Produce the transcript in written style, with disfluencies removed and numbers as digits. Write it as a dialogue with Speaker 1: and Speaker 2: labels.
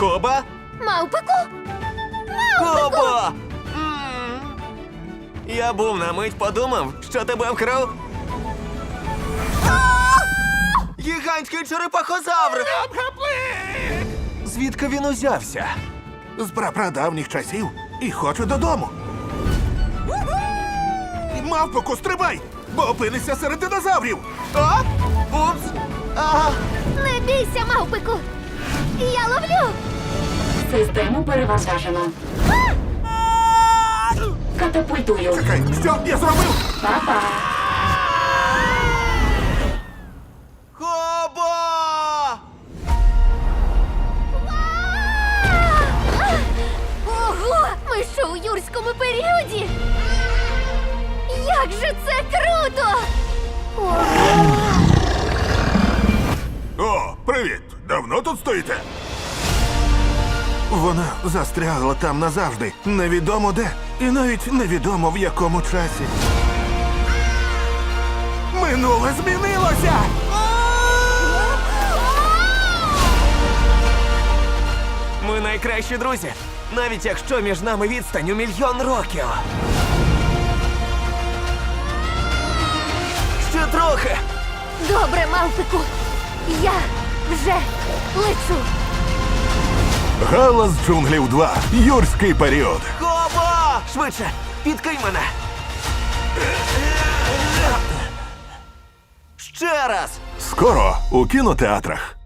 Speaker 1: Коба?
Speaker 2: Мавпику?
Speaker 1: Кобо! Я був на мить подумав, що тебе вкрав. Гігантський черепахозавр! Звідки він узявся?
Speaker 3: З прапрадавніх часів і хочу додому. Мавпоку, стрибай, бо опинишся серед динозаврів.
Speaker 1: А? Упс! А!
Speaker 2: Не бійся, мавпику! Я ловлю!
Speaker 4: Систему перевантажено. Катапультую.
Speaker 3: Чекай, що я зробив?
Speaker 4: Па-па.
Speaker 1: Кобо!
Speaker 2: Ого! Ми що у юрському періоді? Як же це круто! Ого!
Speaker 3: О, привіт! Давно тут стоїте? Вона застрягла там назавжди. Невідомо де. І навіть невідомо в якому часі. Минуле змінилося!
Speaker 1: Ми найкращі друзі, навіть якщо між нами відстань у 1 мільйон років. Ще трохи.
Speaker 2: Добре, мавпику! Я вже лечу!
Speaker 3: Галас джунглів 2. Юрський період.
Speaker 1: Кобо! Швидше, підкинь мене. Ще раз.
Speaker 3: Скоро у кінотеатрах.